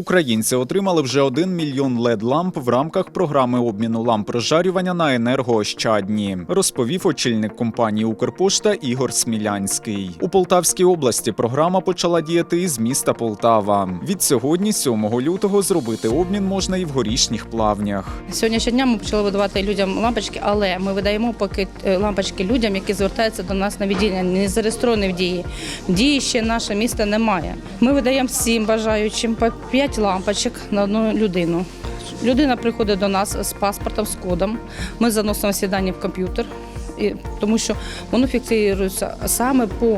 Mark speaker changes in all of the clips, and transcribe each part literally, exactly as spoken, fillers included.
Speaker 1: Українці отримали вже один мільйон лед-ламп в рамках програми обміну ламп розжарювання на енергоощадні, розповів очільник компанії «Укрпошта» Ігор Смілянський. У Полтавській області програма почала діяти із міста Полтава. Від сьогодні, сьомого лютого, зробити обмін можна і в Горішніх Плавнях.
Speaker 2: Сьогодні щодня ми почали видавати людям лампочки, але ми видаємо поки лампочки людям, які звертаються до нас на відділення, не зареєстровані в дії. В дії ще наше місто немає. Ми видаємо всім бажаючим по п'ять лампочок на одну людину. Людина приходить до нас з паспортом, з кодом. Ми заносимо всі дані в комп'ютер, тому що воно фіксується саме по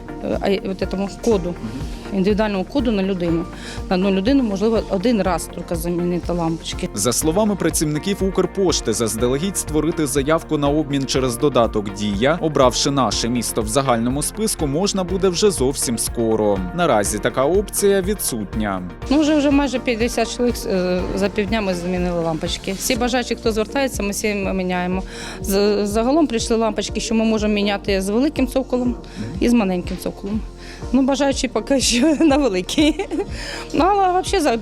Speaker 2: цьому коду, індивідуальному коду на людину. На одну людину можливо один раз тільки замінити лампочки.
Speaker 1: За словами працівників «Укрпошти», заздалегідь створити заявку на обмін через додаток «Дія», обравши наше місто в загальному списку, можна буде вже зовсім скоро. Наразі така опція відсутня.
Speaker 2: Ну, вже, вже майже п'ятдесят чоловік за півдня ми замінили лампочки. Всі бажаючі, хто звертається, ми всі міняємо. Загалом прийшли лампочки, що ми можемо міняти з великим цоколом і з маленьким цоколом. Ну, бажаючи поки що на великий. Ну, але взагалі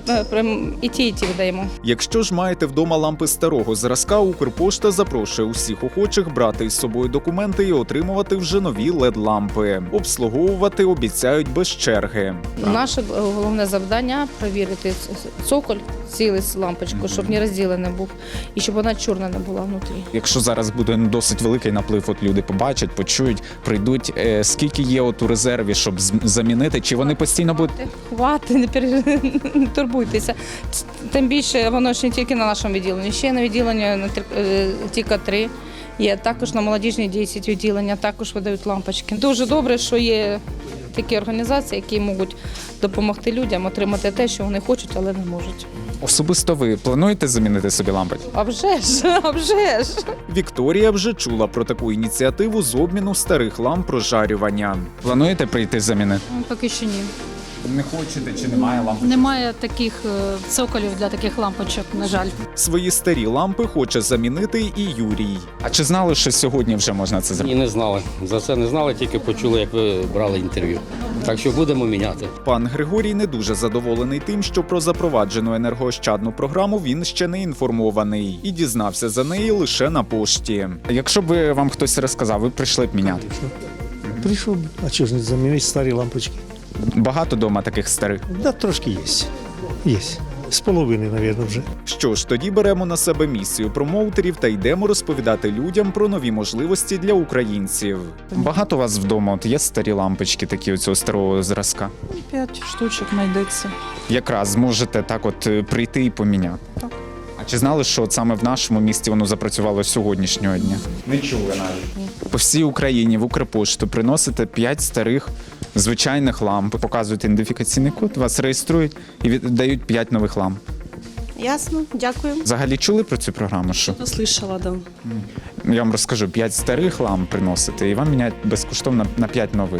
Speaker 2: і ті, і ті видаємо.
Speaker 1: Якщо ж маєте вдома лампи старого зразка, «Укрпошта» запрошує усіх охочих брати із собою документи і отримувати вже нові лед-лампи. Обслуговувати обіцяють без черги.
Speaker 2: Наше головне завдання – перевірити цоколь, цілий лампочку, щоб не розділений був і щоб вона чорна не була внутрі.
Speaker 1: Якщо зараз буде досить великий наплив, от люди побачать, почують, прийдуть, е, скільки є от у резерві, щоб замінити, чи вони постійно будуть?
Speaker 2: Хвати, не, пере... не турбуйтеся. Тим більше воно ж не тільки на нашому відділенні, ще на відділенні на Тіка три. Є також на молодіжній десять відділення, також видають лампочки. Дуже добре, що є такі організації, які можуть допомогти людям отримати те, що вони хочуть, але не можуть.
Speaker 1: Особисто ви плануєте замінити собі лампочки?
Speaker 2: А вже ж, а вже ж.
Speaker 1: Вікторія вже чула про таку ініціативу з обміну старих ламп розжарювання. Плануєте прийти замінити?
Speaker 3: Поки що ні.
Speaker 1: Не хочете чи немає лампочок?
Speaker 3: Немає таких цоколів для таких лампочок, на жаль.
Speaker 1: Свої старі лампи хоче замінити і Юрій. А чи знали, що сьогодні вже можна це зробити?
Speaker 4: Ні, не знали. За це не знали, тільки почули, як ви брали інтерв'ю. Так що будемо міняти.
Speaker 1: Пан Григорій не дуже задоволений тим, що про запроваджену енергоощадну програму він ще не інформований і дізнався за неї лише на пошті. Якщо б вам хтось розказав, ви прийшли б міняти?
Speaker 5: Прийшов, а чого ж не замінити старі лампочки?
Speaker 1: Багато дома таких старих?
Speaker 5: Да, трошки є. Є. З половини, мабуть, вже.
Speaker 1: Що ж, тоді беремо на себе місію промоутерів та йдемо розповідати людям про нові можливості для українців. Багато у вас вдома от є старі лампочки такі оцього старого зразка?
Speaker 6: П'ять штучок знайдеться.
Speaker 1: Якраз зможете так от прийти і поміняти?
Speaker 6: Так.
Speaker 1: А чи знали, що от саме в нашому місті воно запрацювало з сьогоднішнього дня? Не чули навіть. По всій Україні в Укрпошту приносите п'ять старих звичайних ламп, показують ідентифікаційний код, вас реєструють і віддають п'ять нових ламп.
Speaker 7: Ясно, дякую.
Speaker 1: Взагалі чули про цю програму? Що?
Speaker 7: Слышала, да.
Speaker 1: Я вам розкажу, п'ять старих ламп приносите і вам міняють безкоштовно на п'ять нових.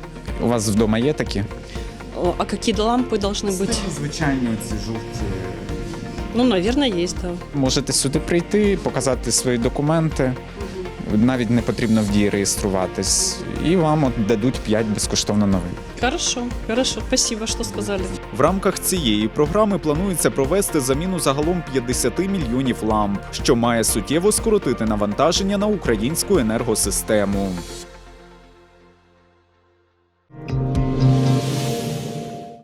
Speaker 1: У вас вдома є такі?
Speaker 7: О, а какие лампы должны быть?
Speaker 1: Звичайні оці жовті.
Speaker 7: Ну, наверное, есть, да.
Speaker 1: Можете сюди прийти, показати свої документи, навіть не потрібно в дії реєструватись, і вам от дадуть п'ять безкоштовно нових.
Speaker 7: Хорошо, хорошо, спасибо, що сказали.
Speaker 1: В рамках цієї програми планується провести заміну загалом п'ятдесят мільйонів ламп, що має суттєво скоротити навантаження на українську енергосистему.